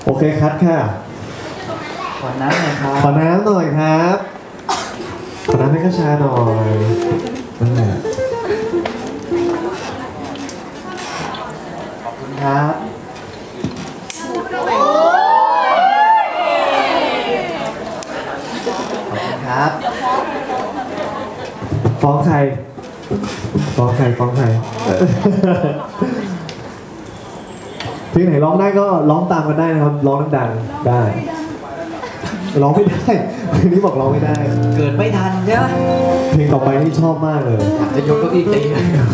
โอเคคัดค่ะขอน้ำหน่อยครับขอน้ำหน่อยครับขอน้ำให้กระชาหน่อยนั่นแหละขอบคุณครับครับฟ้องใครฟ้องใครฟ้องใครเพลงไหนร้องได้ก็ร้องตามกันได้นะครับร้องดังๆได้ร้องไม่ได้เพลงนี้บอกร้องไม่ได้เกิดไม่ทันใช่ไหมเพลงต่อไปนี่ชอบมากเลยอยากจะยกเก้าอี้ตี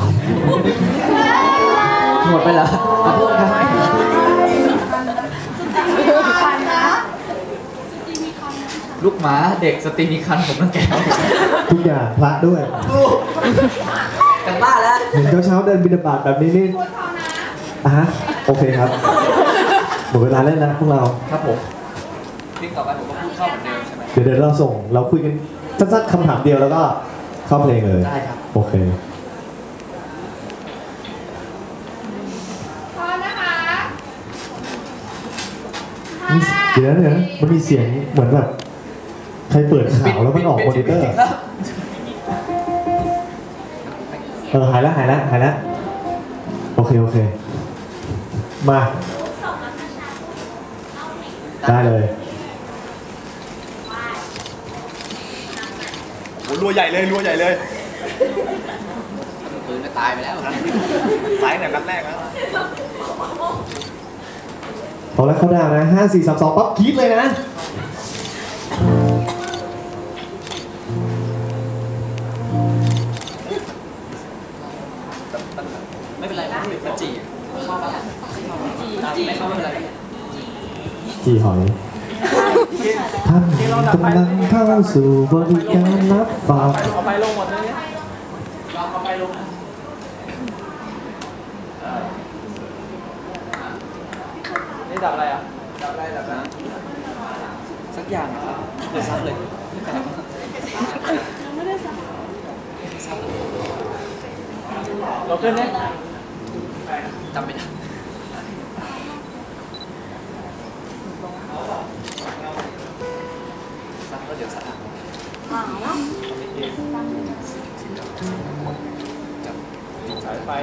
หมดไปแล้วขอโทษครับลูกหมาเด็กสตรีมีคันผมนั่งแก่ทุกอย่างพระด้วยกันบ้าแล้วเห็นเช้าเดินบิณฑบาตแบบนี้นี่ฮะโอเคครับหมดเวลาเล่นแล้วพวกเราครับผมเพลงต่อไปผมก็พูดเข้าเหมือนเดิมใช่ไหมเดี๋ยวเราคุยกันสั้นๆคำถามเดียวแล้วก็เข้าเพลงเลยได้ครับโอเคพร้อมนะคะเดี๋ยวมันมีเสียงเหมือนแบบใครเปิดข่าวแล้วมันออกมอนิเตอร์หายแล้วโอเคมาได้เลยโอ้รัวใหญ่เลยปืนก็ตายไปแล้วสายเนี่ยนัดแรกนะพอแล้วเข้าดาวนะ5 4 3 2ปั๊บกรี๊ดเลยนะไม่เป็นไรนะมันจีชอบปะไม่เข้าไม่เป็นไรจีหอยท่านกำลังเข้าสู่บริการรับฝากเอาไปลงหมดเลยเอาไปลงนี่ดับอะไรอ่ะดับนะสักอย่างครับเดี๋ยวซักเลยไม่ได้ซักเราขึ้นเนี่ยจำไม่ได้ซักแล้วเดี๋ยวซักสายไฟ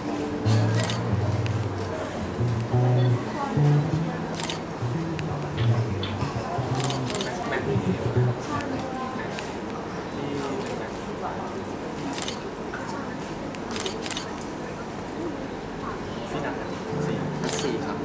4ครับ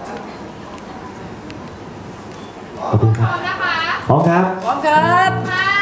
ขอบคุณครับพร้อมครับพร้อมครับ